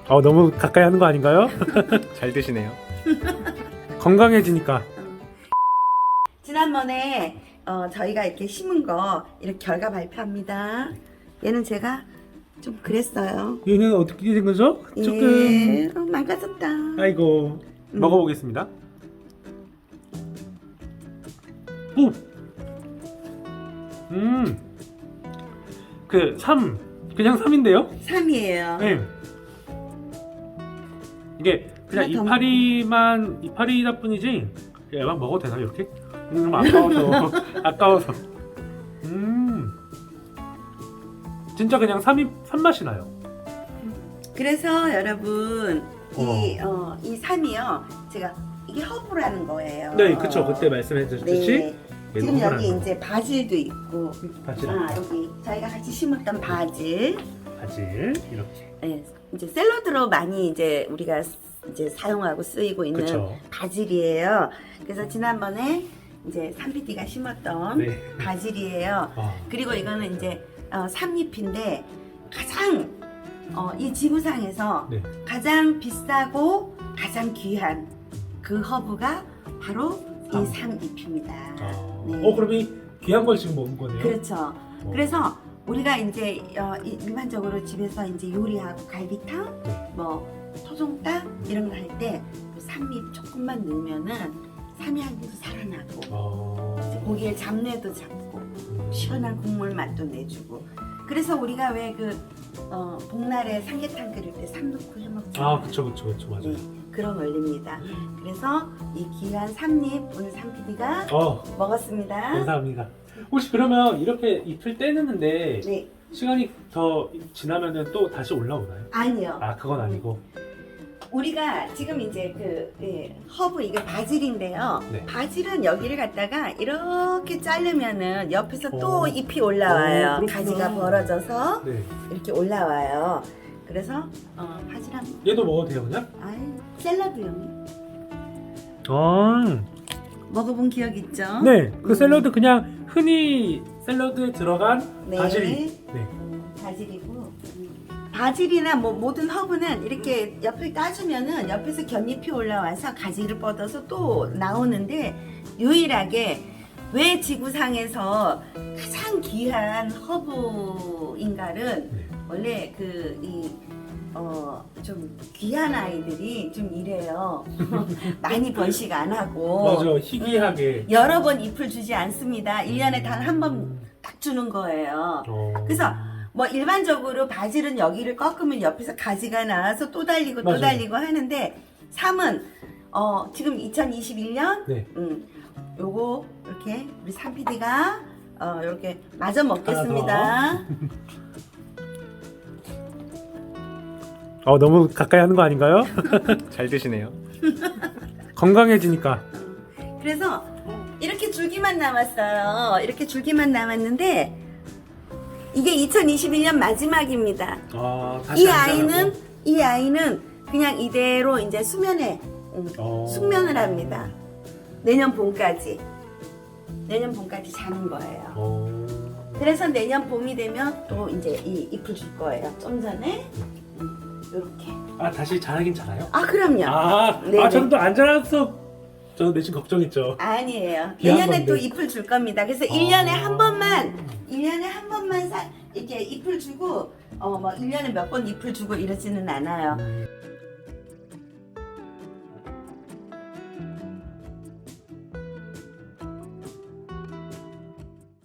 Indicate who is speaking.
Speaker 1: 너무 가까이 하는 거 아닌가요?
Speaker 2: 잘 드시네요.
Speaker 1: 건강해지니까.
Speaker 3: 지난번에 저희가 이렇게 심은 거 이렇게 결과 발표합니다. 얘는 제가 좀 그랬어요.
Speaker 1: 얘는 어떻게 된 거죠?
Speaker 3: 예, 망가졌다.
Speaker 1: 아이고. 먹어보겠습니다. 오! 그 3, 그냥 3인데요?
Speaker 3: 3이에요.
Speaker 1: 네. 이게 그냥
Speaker 3: 하나 더
Speaker 1: 이파리다 뿐이지. 얘만 먹어도 되나 이렇게? 너무 아까워서. 아까워서. 진짜 그냥 3 맛이 나요.
Speaker 3: 그래서 여러분 이 3이요. 제가 이게 허브라는 거예요.
Speaker 1: 네, 그쵸. 그때 말씀해 주셨듯이.
Speaker 3: 네. 지금 여기 이제 바질도 있고,
Speaker 1: 바질.
Speaker 3: 여기 저희가 같이 심었던 바질.
Speaker 1: 바질 이렇게.
Speaker 3: 네, 이제 샐러드로 많이 이제 우리가 이제 사용하고 쓰이고 있는
Speaker 1: 그쵸.
Speaker 3: 바질이에요. 그래서 지난번에 이제 삼PD가 심었던
Speaker 1: 네.
Speaker 3: 바질이에요.
Speaker 1: 아.
Speaker 3: 그리고 이거는 이제 삼잎인데 가장 이 지구상에서
Speaker 1: 네.
Speaker 3: 가장 비싸고 가장 귀한 그 허브가 바로 이 삼잎입니다. 네.
Speaker 1: 그럼 이 귀한 걸 지금 먹은 거네요?
Speaker 3: 그렇죠. 그래서 우리가 이제 일반적으로 집에서 이제 요리하고 갈비탕,
Speaker 1: 네.
Speaker 3: 뭐 토종닭 이런 거 할 때 삼잎 조금만 넣으면은 삼양도 살아나고 이제 고기의 잡내도 잡고 시원한 국물 맛도 내주고. 그래서 우리가 왜 그 복날에 삼계탕 끓일 때 삼 넣고 해 먹잖아요.
Speaker 1: 그쵸 맞아요.
Speaker 3: 네, 그런 원리입니다. 그래서 이 귀한 삼잎 오늘 삼PD가 먹었습니다.
Speaker 1: 감사합니다. 혹시 그러면 이렇게 잎을 떼는데
Speaker 3: 네,
Speaker 1: 시간이 더 지나면은 또 다시 올라오나요?
Speaker 3: 아니요.
Speaker 1: 그건 아니고.
Speaker 3: 우리가 지금 이제 허브 이게 바질인데요.
Speaker 1: 네.
Speaker 3: 바질은 여기를 갖다가 이렇게 자르면은 옆에서 또 잎이 올라와요.
Speaker 1: 그렇구나.
Speaker 3: 가지가 벌어져서
Speaker 1: 네.
Speaker 3: 이렇게 올라와요. 그래서 바질 한
Speaker 1: 얘도 먹어도 돼요 그냥?
Speaker 3: 샐러드용
Speaker 1: 아.
Speaker 3: 먹어본 기억 있죠?
Speaker 1: 네. 그 샐러드 그냥 흔히 샐러드에 들어간
Speaker 3: 네.
Speaker 1: 바질. 네.
Speaker 3: 바질이고 바질이나 뭐 모든 허브는 이렇게 옆을 따주면은 옆에서 곁잎이 올라와서 가지를 뻗어서 또 나오는데 유일하게 왜 지구상에서 가장 귀한 허브인가는
Speaker 1: 네.
Speaker 3: 원래 좀 귀한 아이들이 좀 이래요. 많이 번식 안 하고
Speaker 1: 맞아. 희귀하게.
Speaker 3: 여러 번 잎을 주지 않습니다. 1년에 단 한 번 딱 주는 거예요. 그래서 뭐 일반적으로 바질은 여기를 꺾으면 옆에서 가지가 나와서 또 달리고 또
Speaker 1: 맞아요.
Speaker 3: 달리고 하는데 삼은 지금 2021년
Speaker 1: 네.
Speaker 3: 요거 이렇게 우리 삼PD가 이렇게 마저 먹겠습니다.
Speaker 1: 너무 가까이 하는 거 아닌가요?
Speaker 2: 잘 드시네요.
Speaker 1: 건강해지니까.
Speaker 3: 그래서 이렇게 줄기만 남았어요. 이렇게 줄기만 남았는데 이게 2021년 마지막입니다.
Speaker 1: 다시
Speaker 3: 이 아이는 그냥 이대로 이제 수면에 숙면을 합니다. 내년 봄까지 자는 거예요. 그래서 내년 봄이 되면 또 이제 이 잎을 줄 거예요. 좀 전에 이렇게.
Speaker 1: 다시 자라긴 자라요?
Speaker 3: 그럼요. 네네.
Speaker 1: 저는 또 안 자라서 저는 내심 걱정했죠.
Speaker 3: 아니에요.
Speaker 1: 귀한
Speaker 3: 내년에 또
Speaker 1: 건데.
Speaker 3: 잎을 줄 겁니다. 그래서 1년에 한 번만 이렇게 잎을 주고 뭐 1년에 몇 번 잎을 주고 이러지는 않아요.